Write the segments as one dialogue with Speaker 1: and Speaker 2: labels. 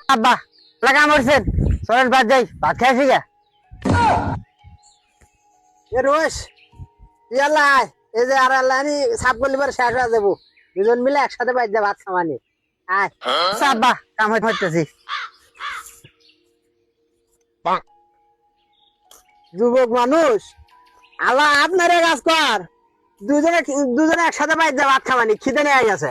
Speaker 1: আব্বা লাগা মরছেন চলেন বাদ যাই ভাত খাইছি গা
Speaker 2: এ রোশ ইয়াল্লা এই যে আর আল্লাহ নি সাপ করলিবার শেষ হয়ে যাবো দুজন মিলে একসাথে বাইর যা ভাত খাওয়ানি আয়
Speaker 1: আব্বা কাম হইতেছি
Speaker 2: যুবক মানুষ আল্লাহ আপনারে কাজ কর দুজনে একসাথে বাইর যা ভাত খাওয়ানি খিদে নিয়ে গেছে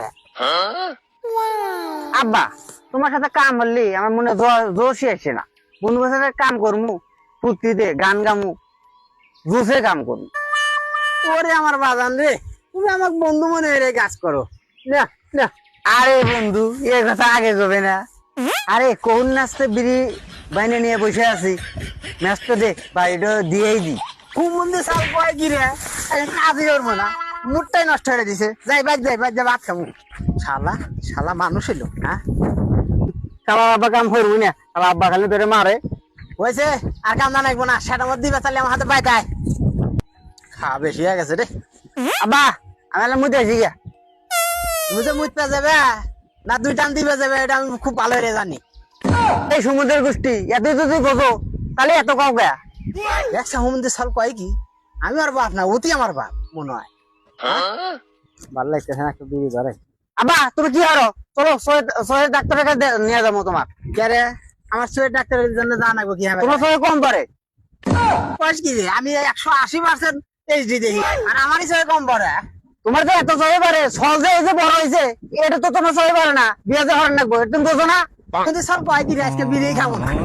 Speaker 1: আব্বা তোমার সাথে কাম হলি আমার মনে জোশই আসে না বন্ধুর সাথে কাম করমু ফুর্তিতে গান গামু জোশে কাম করমু
Speaker 2: ওরে আমার বাজান রে তুমি আমাকে বন্ধু মনে হয়ে কাজ করো না না
Speaker 1: আরে বন্ধু এ কথা আগে যাবে না আরে কোন নাচতে বিড়ি বাইনে নিয়ে বসে আছি ম্যাচটা দেখ বাড়িটা দিয়েই দি
Speaker 2: খুব মন্দির সাল কয় কি রে কাজই করবো না মুডটাই নষ্ট হয়ে দিছে যাই বাদ যা ভাত খাবো শালা শালা মানুষ এলো হ্যাঁ
Speaker 1: শালা আব্বা কাম করবো না শালা আব্বা খালি ধরে মারে
Speaker 2: হয়েছে আর কাম জানাইবো না সেটা মধ্যে দিবে তাহলে আমার হাতে বাইতায় খাওয়া বেশি হয়ে গেছে রে
Speaker 1: আব্বা আমি মুদে আছি গা
Speaker 2: তুমি যে মুততে যাবে না দুই টান দিবে যাবে এটা আমি খুব ভালো করে জানি
Speaker 1: এই সমুদ্রের গোষ্ঠী এত যদি বোঝো তাহলে এত কাউ গা
Speaker 2: দেখছে হোমন্দির সাল কয় কি আমি আর বাপ না অতি আমার বাপ মনে হয় ভালো লাগতেছে না একটু বিড়ি ধরে
Speaker 1: আব্বা তুমি কি হারো চলো শহরের ডাক্তারের কাছে নিয়ে যাবো তোমার
Speaker 2: কে রে আমার শরীর ডাক্তারের জন্য জানাবো কি হবে
Speaker 1: তোমার শরীর কম পারে
Speaker 2: বয়স কি রে আমি 180% এইচডি দেখি আর আমারই শরীর কম পড়ে
Speaker 1: তোমার যে এত শরীর পারে সহজে এই যে বড় হয়েছে এটা তো তোমার শরীর পারে না বিয়ে যে হরেন রাখবো এটা তুমি বোঝো না
Speaker 2: কিন্তু সব কয় কি রে আজকে বিড়ি খাবো না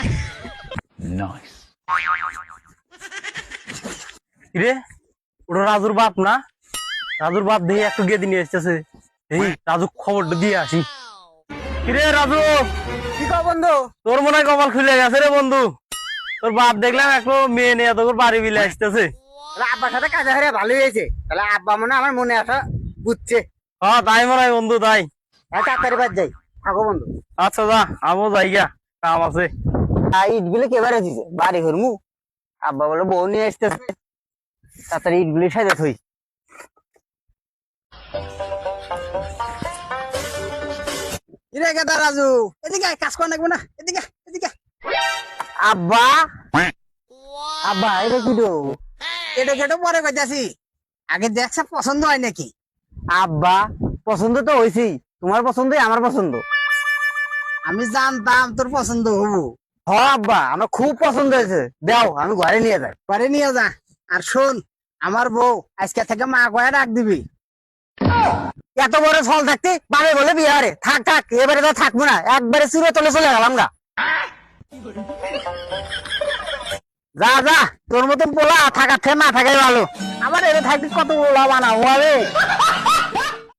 Speaker 3: রে ওটা রাজুর বাপ না রাজুর বাপ দেখি একটু গিয়ে নিয়ে এসতেছে এই রাজু খবরটা দিয়ে আসি কিরে রাজু
Speaker 2: কি কও বন্ধু
Speaker 3: তোর মনে হয় কপাল খুলে গেছে রে বন্ধু তোর বাপ দেখলাম একটু মেয়ে নিয়ে তোর বাড়ি বিলে আসতেছে
Speaker 2: আব্বার সাথে কাজে হারে ভালোই হয়েছে তাহলে আব্বা মনে আমার মনে আসা বুঝছে
Speaker 3: হ্যাঁ তাই মনে হয় বন্ধু তাই
Speaker 2: তাড়াতাড়ি বাদ যাই থাকো বন্ধু
Speaker 3: আচ্ছা যা আমও যাই গা কাম আছে
Speaker 1: ইট গুলো কেবারে দিছে বাড়ি ঘরমু আব্বা বলে বউ নিয়ে আসতেছে তাড়াতাড়ি ইট গুলি সাজা থই
Speaker 2: কিরে গেদা রাজু এদিকে কাজ কর নাকবো না এদিকে এদিকে
Speaker 1: আব্বা আব্বা এটা কি দো
Speaker 2: এটা কেটে পরে কইতাছি আগে দেখছে পছন্দ হয় নাকি
Speaker 1: আব্বা পছন্দ তো হয়েছেই তোমার পছন্দই আমার পছন্দ
Speaker 2: আমি জানতাম তোর পছন্দ হবো
Speaker 1: হ আব্বা আমার খুব পছন্দ হয়েছে দাও আমি ঘরে নিয়ে যাই
Speaker 2: পরে নিয়ে যা আর শোন আমার বউ আজকে থেকে মা কয়ে ডাক দিবি
Speaker 1: এত বড় ফল থাকতে বাবে বলে বিহারে থাক থাক এবারে তো থাকবো না একবারে চুরে তলে চলে গেলাম গা যা যা তোর মতন পোলা থাকার থেকে না থাকাই ভালো আমার এটা থাকতে কত পোলা বানাবো আমি